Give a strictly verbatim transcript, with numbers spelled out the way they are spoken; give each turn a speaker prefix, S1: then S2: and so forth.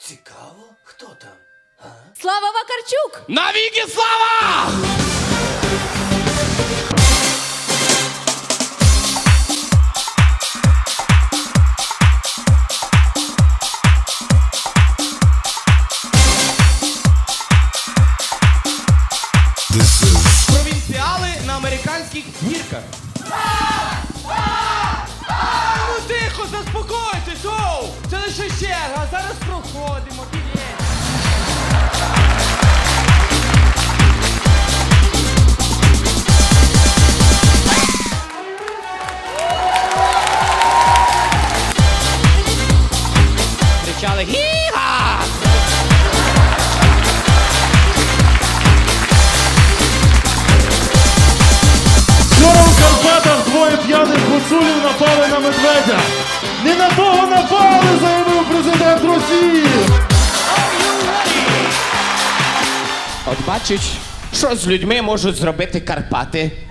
S1: Цікаво, хто там? А?
S2: Слава Вакарчук!
S3: Навіки слава! Провінціали на американських гірках.
S4: Ну тихо, заспокойтесь, оу! Це лише черга, зараз проходимо, білет.
S3: Кричали «Гі-га!»
S5: Вчора у Карпатах двоє п'яних гуцулів напали на медведя. Не на того напали, заявив президент Росії.
S3: От бачиш, що з людьми можуть зробити Карпати.